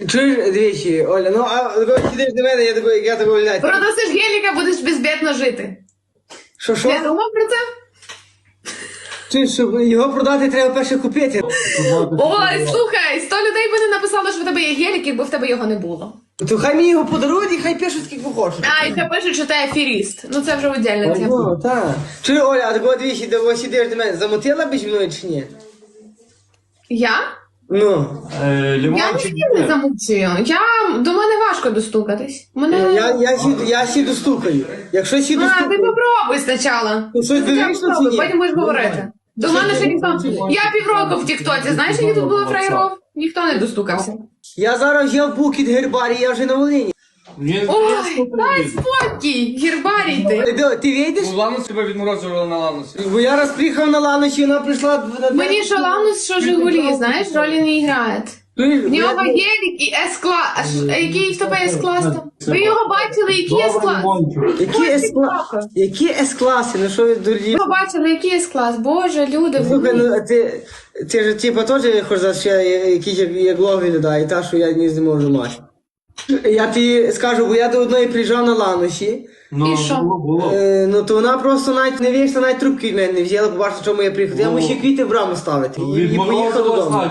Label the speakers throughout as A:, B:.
A: Чуєш, двічі, Оля, ну а коли сидиш до мене, я такого глядаю.
B: Продасиш геліка, будеш безбідно жити.
A: Що?
B: Не думав про це?
A: Чуєш, щоб його продати, треба перше купити.
B: Ой, слухай, 100 людей би не написало, що в тебе є гелік, якби в тебе його не було.
A: То хай мені його подарують і хай пишуть, скільки хочуть.
B: А, і ще пишуть, що ти аферіст. Ну це вже віддільна тема.
A: Ну, так. Чуєш, Оля, а такого двічі, де сидиш до мене, замотила б зі мною чи ні?
B: Я?
A: Ну.
B: Я
C: Лимончик.
B: не замовчую. До мене важко достукатись.
A: Я сіду стукаю. Якщо сіду
B: А, ти
A: стукаю.
B: попробуй спочатку.
A: Ну, щось
B: Ти
A: вирішиш,
B: попробуй,
A: чи ні?
B: потім будеш говорити. До мене ще ніхто... Я півроку в Тіктоці, знаєш, які тут було фраєров? Ніхто не достукався.
A: Я зараз вже в Букіт Гербарі, я вже на Волині.
B: Ой, дай спокій, гербарій ти.
A: Ти вийдеш?
C: Ланус тебе відморозували на ланусі.
A: Бо я раз приїхав на Ланочі, вона прийшла...
B: Мені що Ланус, що Жигулі, знаєш, ролі не грає. В нього гелік і С-клас. Який в тебе С-клас там? Ви його бачили, який С-клас?
A: Які С-класи? Ну що ви дурні?
B: Ви його бачили, який С-клас? Боже, люди,
A: Слухай,
B: ви.
A: ну ти ж типа теж хочеш за що якийсь як лог виглядає, та що я не можу мати. Я тобі скажу, бо я до одної приїжджав на Ланосі,
B: І що?
A: ну то вона просто навіть не вийшла, навіть трубки від мене не взяла, побачила, чому я приїхав. Я мусив квіти в браму ставити і поїхав додому.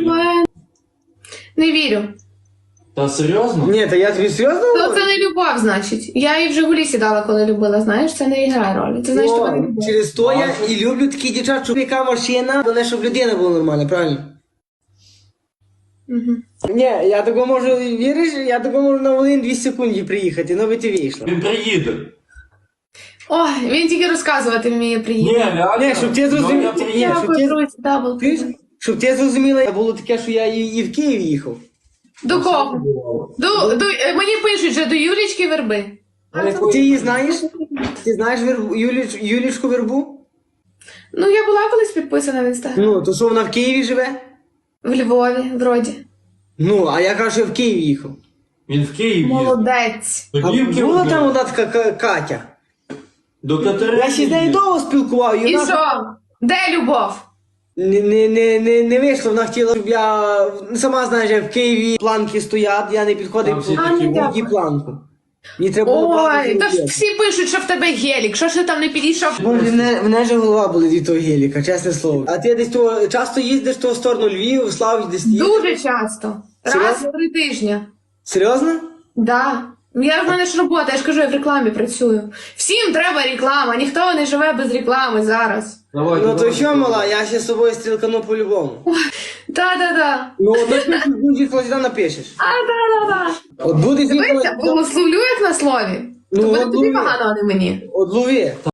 B: Не вірю.
C: Та серйозно?
A: Ні, та я тобі серйозно
B: То
A: говорю?
B: це не любов, значить. Я і в Жигулі сідала, коли любила, знаєш, це не грає ролі. Це значить, тебе не любов.
A: Через то я і люблю такі дівчат, щоб яка машина, але щоб людина була нормальна, правильно? Ні, я такого можу, віриш, я такого можу на Волинь 2 секунди приїхати, ну би ти вийшла.
C: Він приїде.
B: Ой, він тільки розказувати вміє
C: Ні,
B: приїхати.
C: реально.
A: Ні, щоб ти зрозумів.
C: Ну, я приїду.
A: щоб ти-
B: Дякую, друзі, дабл.
A: Ти ж, щоб ти зрозуміла, було таке, що я і в Київ їхав.
B: До кого? Мені пишуть, що до Юлічки Верби.
A: Ти її знаєш? Ти знаєш Юлічку Вербу?
B: Ну, я була колись підписана в інстаграм.
A: Ну, то що вона в Києві живе?
B: В Львові, вроді.
A: Ну, а я кажу, що я в Київ їхав.
C: Він в Київ їде.
B: Молодець.
C: До
A: А
C: Київки
A: була
C: вже?
A: там одна така Катя.
C: До Катерини.
A: Я ще з нею
C: їде.
A: довго спілкував,
B: І що? Де любов?
A: Не вийшло, вона хотіла, щоб я... Сама знаєш, як в Києві планки стоять, я не підходив
C: Там всі
A: по
C: такі
B: ну, дякую.
A: її планку. Мені треба було
B: Ой,
A: планку
B: та ж
A: зробити.
B: всі пишуть, що в тебе гелік. Що ж ти там не підійшов?
A: Боже, мене же голова болить від того геліка, чесне слово. А ти десь того, часто їздиш в ту сторону Львів, Славі, десь їздиш?
B: Дуже часто. Раз
A: Серйозно?
B: в 3 тижні.
A: Серйозно?
B: Да. В мене ж робота, я ж кажу, я в рекламі працюю. Всім треба реклама, ніхто не живе без реклами зараз.
C: Давай,
A: Ну то
C: давай.
A: що, мала, я ще з собою стрілкану по-любому.
B: Да-да-да.
A: Ну, от напишеш, будь сюди напишеш.
B: Да-да-да.
A: От буде
B: Дивися, благословлю як на слові.
A: Ну,
B: То буде
A: от
B: тобі
A: лови.
B: погано, а не мені.
A: От лови.